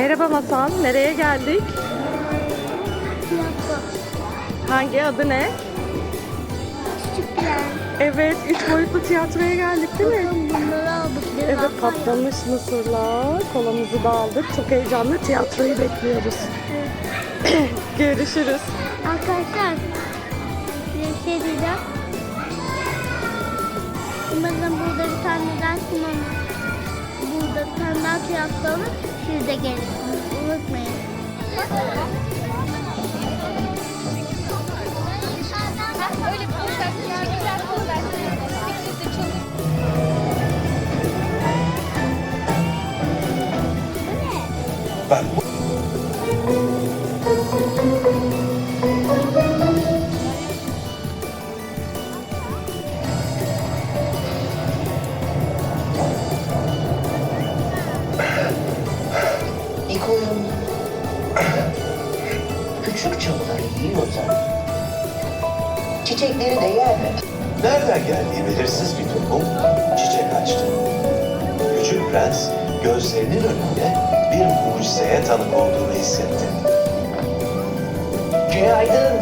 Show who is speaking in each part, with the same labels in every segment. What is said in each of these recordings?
Speaker 1: Merhaba Masal, nereye geldik?
Speaker 2: Tiyatro.
Speaker 1: Hangi adı ne?
Speaker 2: Küçük plan.
Speaker 1: Evet, 3 boyutlu tiyatroya geldik değil mi?
Speaker 2: Bakın bunları aldık.
Speaker 1: Evet, patlamış mısırlar, kolamızı da aldık. Çok heyecanlı, tiyatroyu bekliyoruz. Görüşürüz.
Speaker 2: Arkadaşlar bir şey diyeceğim. Umarım burada bir tane daha sinema. Burada bir tane daha tiyatro olur. Siz de gelirsiniz. Unutmayın.
Speaker 3: Öyle poşet, güzel poşet. Bisikletle çalın.
Speaker 4: Ben bu...
Speaker 5: İlk oyun küçük çalıları yiyorsa çiçekleri de yer mi?
Speaker 4: Nereden geldiği belirsiz bir tohum çiçek açtı. Küçük prens gözlerinin önünde bir mucizeye tanık olduğunu hissetti.
Speaker 5: Günaydın.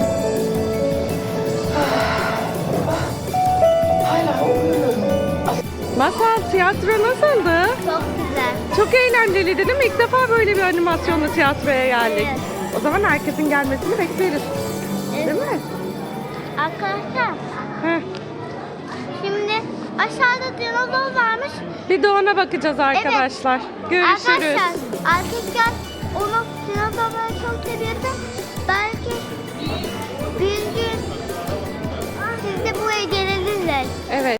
Speaker 5: Hala uyuyorum.
Speaker 1: Masal, tiyatro nasıldı?
Speaker 2: Çok güzel.
Speaker 1: Çok eğlenceliydi değil mi? İlk defa böyle bir animasyonlu tiyatroya geldik.
Speaker 2: Evet.
Speaker 1: O zaman herkesin gelmesini bekleriz.
Speaker 2: Evet.
Speaker 1: Değil mi?
Speaker 2: Arkadaşlar
Speaker 1: Heh.
Speaker 2: şimdi aşağıda dinozor varmış.
Speaker 1: Bir de ona bakacağız arkadaşlar. Görüşürüz.
Speaker 2: Arkadaşlar onu dinozorları çok seviyorum. Belki bir gün siz de buraya gelebilirler.
Speaker 1: Evet.